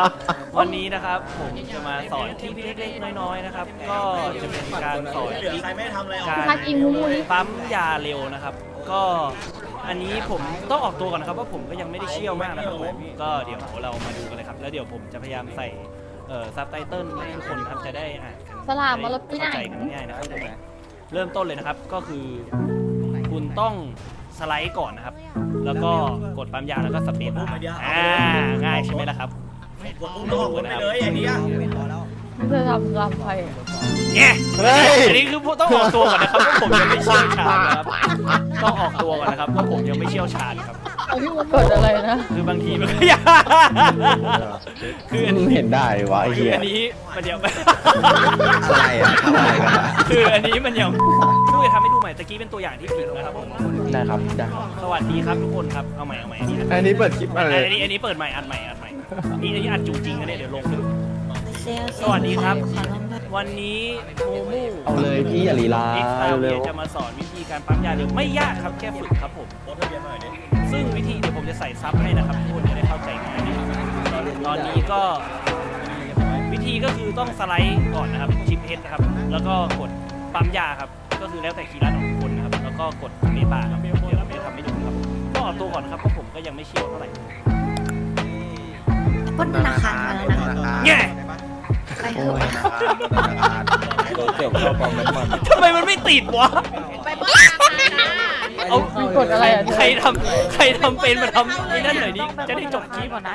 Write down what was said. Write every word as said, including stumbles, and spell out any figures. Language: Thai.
วันนี้นะครับผมจะมาสอนที่เล็กๆน้อยๆนะครับก็จะเป็นการสอนเหลือใครไม่ทำอะไรออกการพักอิงมูมูนี่ปั๊มยาเร็วนะครับ ก็อันนี้ผมต้องออกตัวก่อนนะครับว่าผมก็ยังไม่ได้เชี่ยวมากนะครับผมก็เดี๋ยวเรามาดูกันเลยครับแล้วเดี๋ยวผมจะพยายามใส่เอ่อซับไตเติลให้ทุกคนนะครับจะได้อ่านกันสลามมาแล้วไปไหนเข้าใจกันง่ายๆนะครับเริ่มต้นเลยนะครับก็คือคุณต้องสไลด์ก่อนนะครับ แล้วก็กดปั๊มยาแล้วก็สเปซบาร์อ่าง่ายใช่ไหมล่ะครับกดอุ้มน้องกดไปเลยอย่างนี้เธอทำลำไฟเนี่ยอันนี้คือต้องออกตัวก่อนนะครับว่าผมยังไม่เชี่ยวชาญนะครับต้องออกตัวก่อนนะครับว่าผมยังไม่เชี่ยวชาญครับเอาพี่มันกดอะไรนะคือบางทีมันก็ยากคืออันนี้เห็นได้วะไอ้คือเหี้ยอันนี้มันยังไม่อะไรอ่ะทำอะไรกันอ่ะคืออันนี้มันยังดูจะทำให้ดูใหม่ตะกี้เป็นตัวอย่างที่ผิดนะครับผมได้ครับได้ครับสวัสดีครับทุกคนครับเอาใหม่เอาใหม่อันนี้อันนี้เปิดคลิปอะไรอันนี้อันนี้เปิดใหม่อัดใหม่อัดใหม่นี่อันนี้อัดจริงๆนะเนี่ยเดี๋ยวลงสวัสดีครับ วันนี้โมมูเอาเลยพี่อย่าลีลาเอ็กซ์ตาเร็เวียว จะมาสอนวิธีการปั๊มยาเร็วไม่ยากครับแค่ฝึกครับผมรถทะเบียนหน่อยดิซึ่งวิธีเดี๋ยวผมจะใส่ซับให้นะครับทุกคนจะได้เข้าใจง่ายนะครับตอนนี้ก็วิธีก็คือต้องสไลด์ก่อนนะครับชิปเฮดนะครับแล้วก็กดปั๊มยาครับก็คือแล้วแต่คีย์ลัดของทุกคนนะครับแล้วก็กดเมบาร์ครับเดี๋ยวเราจะทำให้ดูครับก็ออกตัวก่อนนะครับเพราะผมก็ยังไม่เชี่ยวเท่าไหร่ปล้นธนาคารมาแล้วนะแง่ไปเถโอ้อะยเกี่ยวกับกองน้ำมันทำไมมันไม่ติดวะไปปล้นธนาคารนะเอามีกดอะไรอ่ะเธอใครทำใครทำเป็นมาทำไอ้นั่นหน่อยดิจะได้จบคลิปก่อนนะ